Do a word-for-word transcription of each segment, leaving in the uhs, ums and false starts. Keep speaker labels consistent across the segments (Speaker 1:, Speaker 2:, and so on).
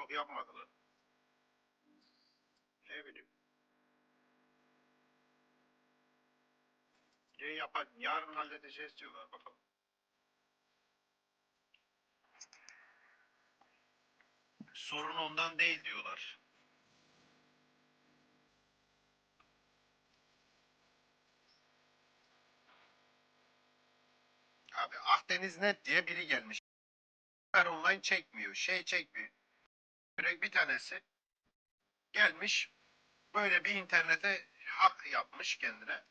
Speaker 1: Yok yapmadılar. Ne bileyim. Ne yapar? Yarın halledeceğiz diyorlar bakalım. Sorun ondan değil diyorlar. Abi Akdeniz Net diye biri gelmiş. Her online çekmiyor. Şey çekmiyor. Direkt bir tanesi gelmiş. Böyle bir internete hak yapmış kendine.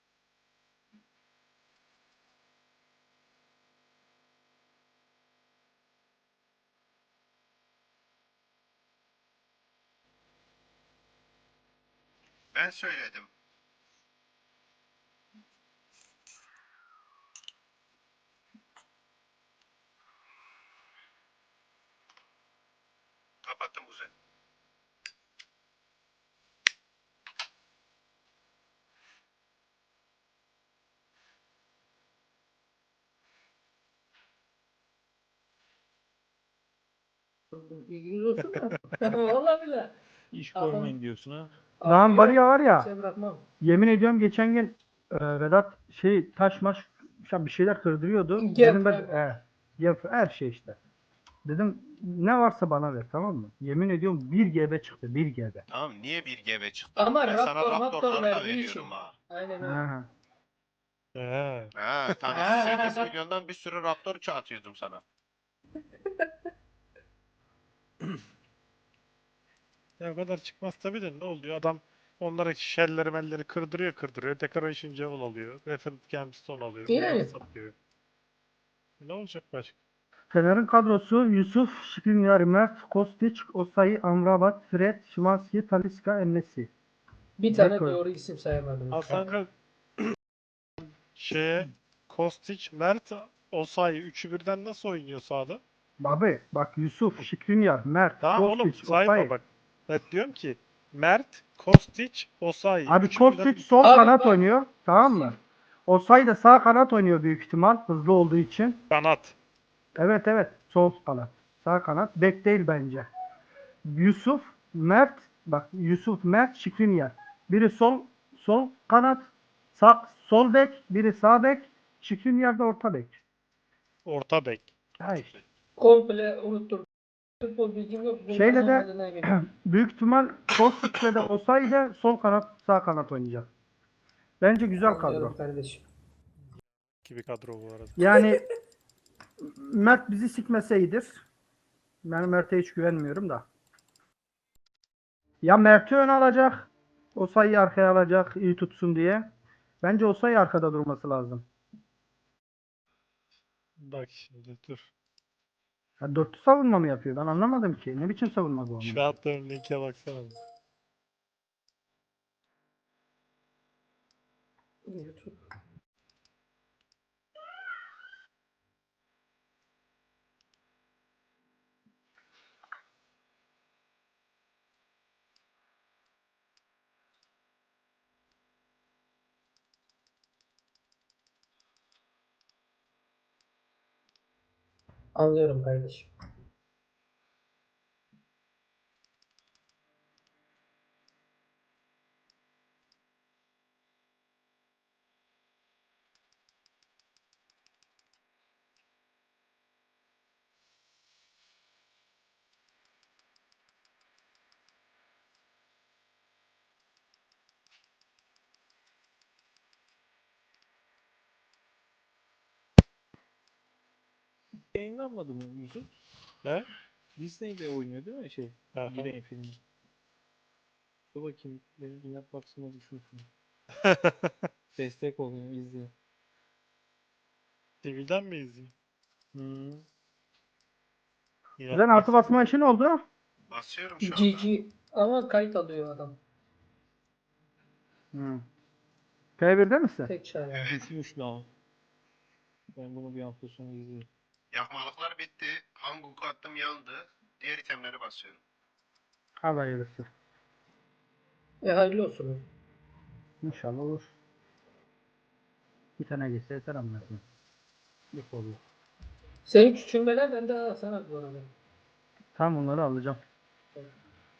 Speaker 1: Ben söyledim. Kapattım kuzen.
Speaker 2: İlginiz olsun da. Vallahi bile.
Speaker 3: İş
Speaker 2: Tamam.
Speaker 3: görmeyin diyorsun ha.
Speaker 4: Lan
Speaker 2: Abi
Speaker 4: var
Speaker 2: yok,
Speaker 4: ya var ya.
Speaker 2: Şey bırakmam.
Speaker 4: Yemin ediyorum geçen gün e, Vedat şey taş maş bir şeyler kırdırıyordu.
Speaker 2: Gep,
Speaker 4: Dedim ben
Speaker 2: evet.
Speaker 4: e, yap- her şey işte. Dedim ne varsa bana ver, tamam mı? Yemin ediyorum bir G B çıktı, bir G B.
Speaker 1: Tamam niye bir G B çıktı?
Speaker 2: Ama
Speaker 1: Ben sana
Speaker 2: Raptor, Raptor
Speaker 1: Raptor'ları da
Speaker 2: verdiği için.
Speaker 1: veriyorum ha.
Speaker 2: Aynen öyle.
Speaker 4: Ha.
Speaker 3: He.
Speaker 1: Ha tabii sekiz milyondan bir sürü Raptor çağatıyordum sana.
Speaker 3: Ya o kadar çıkmaz tabii de ne oluyor? Adam onlara şelleri melleri kırdırıyor kırdırıyor. Decoration Jewel alıyor. Reference Gemstone alıyor. Bunları
Speaker 2: Yani.
Speaker 3: satıyor. Ne olacak başka?
Speaker 4: Fener'in kadrosu Yusuf, Skriniar, Mert, Kostić, Osayi, Amrabat, Fred, Szymański, Talisca, En-Nesyri.
Speaker 2: Bir tane
Speaker 4: Beko.
Speaker 2: doğru isim sayamadım.
Speaker 3: Hasan şeye Kostić, Mert, Osayi üçü birden nasıl oynuyor sahada?
Speaker 4: Abi bak Yusuf, Skriniar, Mert,
Speaker 3: Tamam oğlum
Speaker 4: Kostić,
Speaker 3: sayma
Speaker 4: Osayi.
Speaker 3: bak. Ben diyorum ki Mert, Kostić, Osayi.
Speaker 4: Abi
Speaker 3: Üçü
Speaker 4: Kostić
Speaker 3: birden
Speaker 4: sol
Speaker 2: Abi
Speaker 4: kanat
Speaker 2: bak-
Speaker 4: oynuyor, tamam mı? Osayi de sağ kanat oynuyor büyük ihtimal, hızlı olduğu için.
Speaker 3: kanat.
Speaker 4: Evet evet, sol kanat. Sağ kanat. Bek değil bence. Yusuf, Mert, bak Yusuf, Mert, Skriniar. Biri sol sol kanat, sağ sol bek, biri sağ bek, Skriniar da orta bek.
Speaker 3: Orta bek.
Speaker 4: Ha işte.
Speaker 2: Komple unuttum. Futbol bilgim yok. Bunlar
Speaker 4: Şeyle de
Speaker 2: haline geliyor.
Speaker 4: büyük ihtimal Kostic'le de Osayi sol kanat, sağ kanat oynayacak. Bence güzel kadro.
Speaker 2: Anlıyorum kardeşim.
Speaker 3: Gibi kadro bu arada.
Speaker 4: Yani Mert bizi sikmeseydir. Ben Mert'e hiç güvenmiyorum da. Ya Mert'i ön alacak. Osayi'yi arkaya alacak iyi tutsun diye. Bence Osayi arkada durması lazım.
Speaker 3: Bak şimdi dur.
Speaker 4: Ya dörtlü savunma mı yapıyor? Ben anlamadım ki. Ne biçim savunma bu onun?
Speaker 3: Şu attığım linke baksana.
Speaker 2: YouTube. Anlıyorum kardeşim.
Speaker 3: Yayınlanmadı mı Yusuf? Ne? Disney'de oynuyor değil mi şey? Disney filmi. Dur bakayım. Benim Dünya Baksın'a düşünsün. Destek olayım izleyeyim. T V'den mi izleyeyim? Hmm.
Speaker 4: Sen artı basma işi ne oldu?
Speaker 1: Basıyorum şu anda.
Speaker 2: G G ama kayıt alıyor adam.
Speaker 4: Hı. P bir'de misin?
Speaker 2: Tek çare.
Speaker 3: Bitmiş lan. Ben bunu bir hafta sonra izleyeyim.
Speaker 1: Yakmalıklar bitti. Hanguk attım yandı. Diğer itemleri basıyorum.
Speaker 4: Hadi hayırlısı.
Speaker 2: E hayırlı olsun.
Speaker 4: İnşallah olur. Bir tane geçse yeter amına koyayım. Yok oluyor.
Speaker 2: Senin küçülmeler bende ha sana bu arada.
Speaker 4: Tam onları alacağım.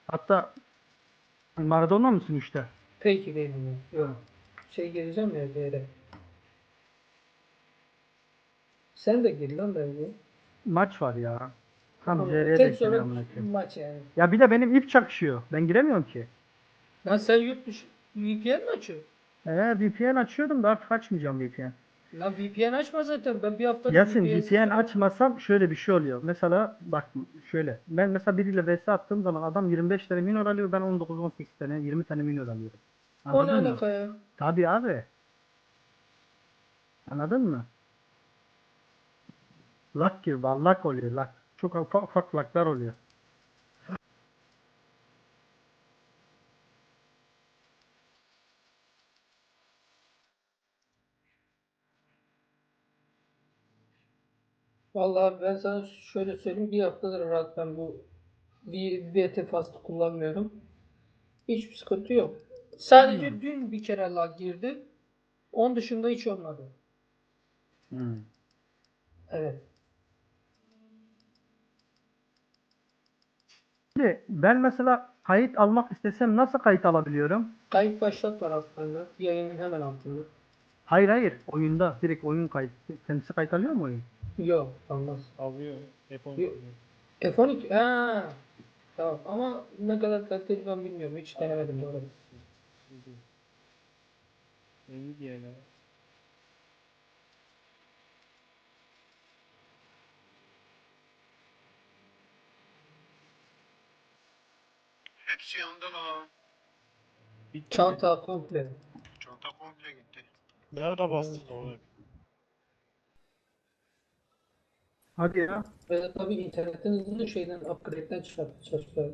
Speaker 4: Hatta Maradona mısın işte?
Speaker 2: Peki benim. Yok. Şey gireceğim ya bir yere. Sen de gir lan bence.
Speaker 4: Maç var ya. Tam
Speaker 2: Ama
Speaker 4: J R'ye
Speaker 2: tek
Speaker 4: denk geliyor
Speaker 2: sorun
Speaker 4: amına koyayım.
Speaker 2: maç yani.
Speaker 4: Ya bir de benim ip çakışıyor. Ben giremiyorum ki.
Speaker 2: Lan sen yurt dışı V P N mi açıyorsun?
Speaker 4: Ee, V P N açıyordum da artık açmayacağım V P N.
Speaker 2: Lan V P N açma zaten. Ben bir haftadır
Speaker 4: Yasin
Speaker 2: V P N...
Speaker 4: V P N açmasam şöyle bir şey oluyor. Mesela bak şöyle. Ben mesela biriyle vs attığım zaman adam yirmi beş tane minor alıyor. Ben on dokuz on sekiz tane yirmi tane minor alıyorum.
Speaker 2: O ne
Speaker 4: Anladın mı?
Speaker 2: alaka ya?
Speaker 4: Tabii abi. Anladın mı? Luck gibi. Luck oluyor luck. Çok ufak ufak lucklar oluyor.
Speaker 2: Vallahi ben sana şöyle söyleyeyim. Bir haftadır rahat ben bu V- VT Fast'ı kullanmıyorum. Hiçbir sıkıntı yok. Sadece dün bir kere lag girdi. Onun dışında hiç olmadı.
Speaker 4: Hmm.
Speaker 2: Evet.
Speaker 4: Şimdi ben mesela kayıt almak istesem nasıl kayıt alabiliyorum?
Speaker 2: Kayıt başlat var aslında. Yayının hemen altında.
Speaker 4: Hayır hayır. Oyunda direkt oyun kayıt. Kendisi kayıt alıyor mu oyun?
Speaker 2: Yok, olmaz.
Speaker 3: Alıyor. F on
Speaker 2: Yok.
Speaker 3: alıyor.
Speaker 2: F on iki. Ha. Tamam ama ne kadar kaliteli ben bilmiyorum. Hiç denemedim bu arada.
Speaker 3: Nvidia ile.
Speaker 1: Hepsi yandı lan.
Speaker 3: Bitti mi?
Speaker 2: Çanta komple.
Speaker 1: Çanta komple gitti.
Speaker 5: Nerede bastın onu?
Speaker 4: Hadi ya.
Speaker 2: Ve tabii internetten hızlı şeyden upgrade'den çıkarttı çalışıyor.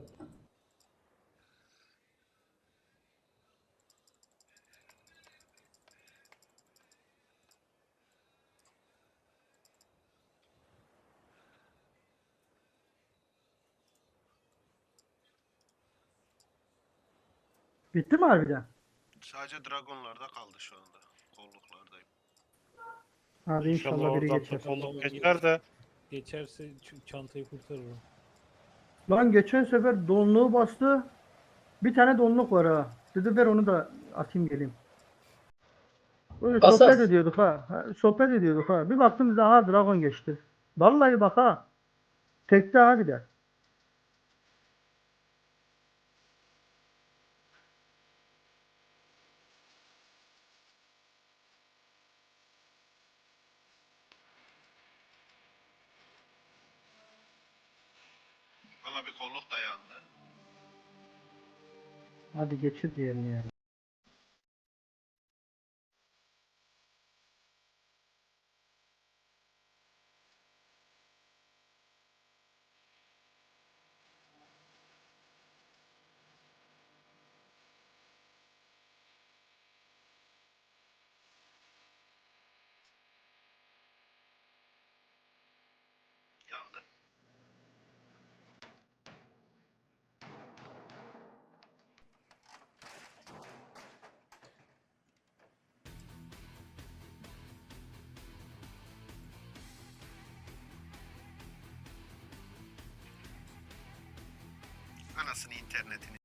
Speaker 4: Bitti mi harbiden?
Speaker 1: Sadece dragonlarda kaldı şu anda. Kolluklardayım.
Speaker 4: Hadi
Speaker 5: İnşallah
Speaker 4: inşallah biri
Speaker 5: oradan
Speaker 4: geçer.
Speaker 5: da kolluk geçer de.
Speaker 3: Geçerse ç- çantayı kurtarır o.
Speaker 4: Lan geçen sefer donluğu bastı. Bir tane donluk var ha. Dedi ver onu da atayım geleyim. Böyle sohbet
Speaker 2: Asas.
Speaker 4: ediyorduk ha. Ha, Sohbet ediyorduk ha. Bir baktım daha dragon geçti. Vallahi bak ha. Tekte ha bir de.
Speaker 1: Valla bir kolluk da yandı.
Speaker 4: Hadi geçir diyelim yani.
Speaker 1: Yandı. Anasını internetini